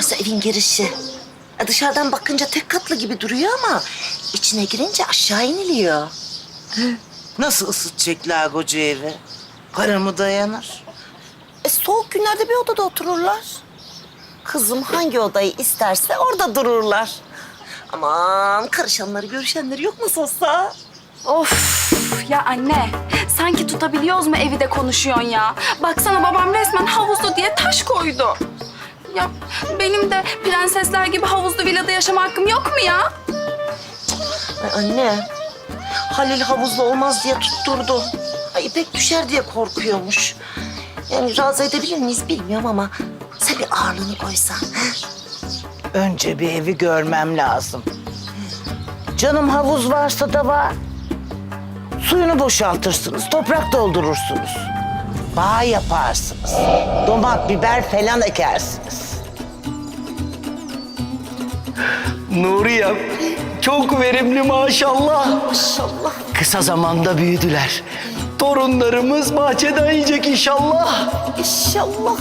Burası evin girişi. Dışarıdan bakınca tek katlı gibi duruyor ama içine girince aşağı iniliyor. Nasıl ısıtacaklar koca evi? Para mı dayanır? Soğuk günlerde bir odada otururlar. Kızım hangi odayı isterse orada dururlar. Aman karışanları görüşenleri yok mu Sosa? Of ya anne, sanki tutabiliyoruz mu evi de konuşuyorsun ya? Baksana babam resmen havuzlu diye taş koydu. Ya benim de prensesler gibi havuzlu villada yaşama hakkım yok mu ya? Ay anne, Halil havuzlu olmaz diye tutturdu. Ay İpek düşer diye korkuyormuş. Yani razı edebilir miyiz bilmiyorum ama sen bir ağırlığını koysan. Önce bir evi görmem lazım. Canım havuz varsa da var. Suyunu boşaltırsınız, toprak doldurursunuz. Bağ yaparsınız. Domat, biber falan ekersiniz. Nuriyem çok verimli maşallah. Maşallah. Kısa zamanda büyüdüler. Torunlarımız bahçeden yiyecek inşallah. İnşallah.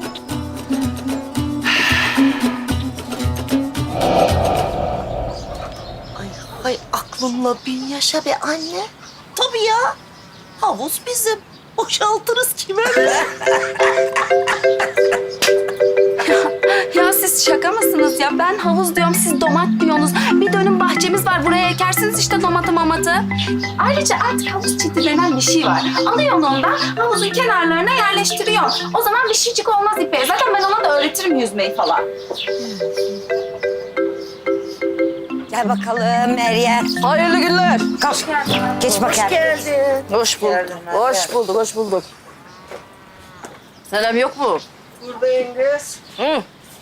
Ay aklımla bin yaşa be anne. Tabii ya. Havuz bizim. Boşaltırız kime ne? Ya siz şaka mısınız ya? Ben havuz diyorum, siz domat diyorsunuz. Bir dönüm bahçemiz var, buraya ekersiniz işte domatı mamatı. Ayrıca artık havuz çiti denen bir şey var. Alıyorsun ondan, havuzun kenarlarına yerleştiriyorsun. O zaman bir şeycik olmaz İpek'e. Zaten ben ona da öğretirim yüzmeyi falan. Gel bakalım Meryem. Hayırlı günler. Kalk. Geç bakalım. Geldin. Hoş bulduk. Hoş bulduk, hoş bulduk. Selam yok mu? Buradayım kız. Hı.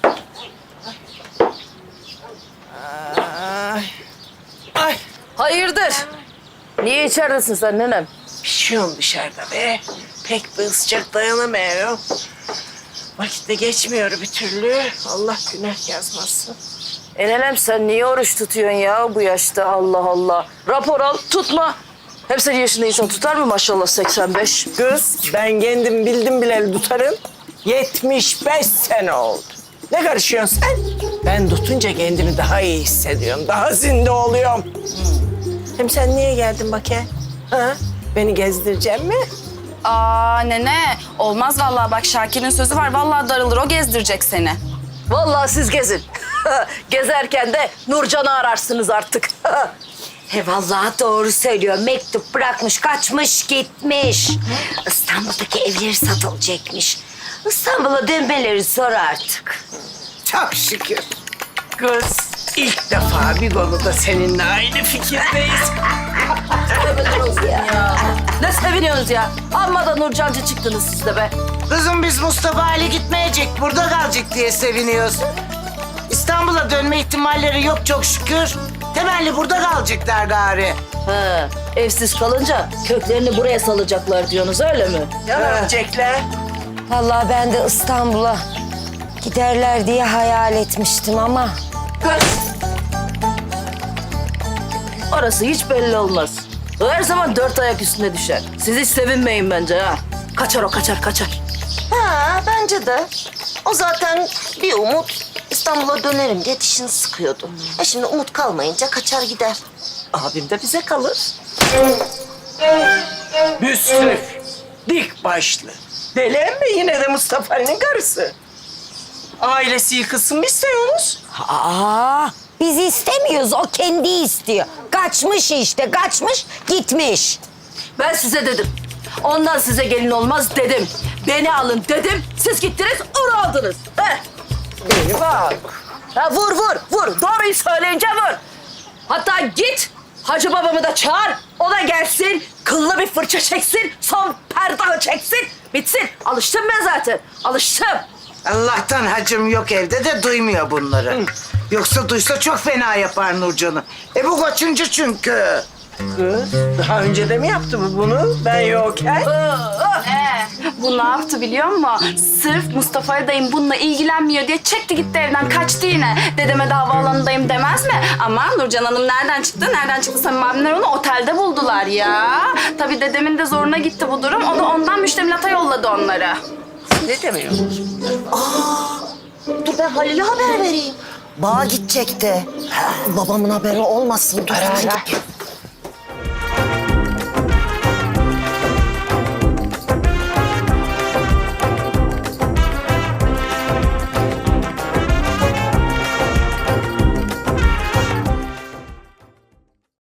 Ay, Hayırdır? Niye içeridesin sen nenem? pişiyorum dışarıda be. Pek bir sıcak dayanamıyorum. Vakit de geçmiyor bir türlü. Allah günah yazmasın. Nenem sen niye oruç tutuyorsun ya bu yaşta Allah Allah. Rapor al tutma. Hep senin yaşında insan tutar mı maşallah 85? Kız, ben kendim bildim bileli tutarım. 75 sene oldu. Ne karışıyorsun sen? Ben tutunca kendimi daha iyi hissediyorum. Daha zinde oluyorum. Hem sen niye geldin bakayım? Ha? Beni gezdirecek mi? Aa nene, olmaz vallahi bak Şakir'in sözü var. Vallahi darılır, o gezdirecek seni. Vallahi siz gezin. Gezerken de Nurcan'ı ararsınız artık. He vallahi doğru söylüyor. Mektup bırakmış, kaçmış, gitmiş. İstanbul'daki evleri satılacakmış. İstanbul'a dönmeleri zor artık. Çok şükür. Kız, ilk defa bir konuda seninle aynı fikirdeyiz. Ne seviniyorsunuz ya? Amma da Nurcancı çıktınız siz de be. Kızım biz Mustafa aile gitmeyecek, burada kalacak diye seviniyoruz. İstanbul'a dönme ihtimalleri yok çok şükür. Temelli burada kalacaklar gari. Ha, evsiz kalınca köklerini buraya salacaklar diyorsunuz öyle mi? Gelecekler. Vallahi ben de İstanbul'a giderler diye hayal etmiştim ama. Orası hiç belli olmaz. O her zaman dört ayak üstüne düşer. Siz hiç sevinmeyin bence ha. Kaçar o kaçar kaçar. Ha bence de. O zaten bir umut İstanbul'a dönerim diye dişini sıkıyordu. Şimdi umut kalmayınca kaçar gider. Abim de bize kalır. Müsrif, dik başlı. Deli mi yine de Mustafa Ali'nin karısı? Ailesi yıkılsın mı istiyorsunuz? Aa, biz istemiyoruz. O kendi istiyor. Kaçmış işte, kaçmış, gitmiş. Ben size dedim. Ondan size gelin olmaz dedim. Beni alın dedim. Siz gittiniz onu aldınız. He. Beni bak. Ha, vur vur vur. Doğruyu söyleyince vur. Hatta git Hacı babamı da çağır. O da gelsin. Kıllı bir fırça çeksin. Son perdağı çeksin. Bitsin. Alıştım ben zaten. Alıştım. Allah'tan hacım yok evde de duymuyor bunları. Yoksa duysa çok fena yapar Nurcan'ı. Bu kaçıncı çünkü. Kız, daha önce de mi yaptı bu bunu? Ben yokken. Bu ne yaptı biliyor musun? Sırf Mustafa dayım bununla ilgilenmiyor diye çekti gitti evden, kaçtı yine. Dedeme de havaalanındayım demez mi? Ama Nurcan Hanım nereden çıktı? Nereden çıktı? Samim abimler onu otelde buldular ya. Tabii dedemin de zoruna gitti bu durum. O da ondan müştemilata yolladı onları. Ne demiyorsun? Dur ben ben Halil'e haber vereyim. Bağa gidecekti. Babamın haberi olmasın. Dur hemen gideyim.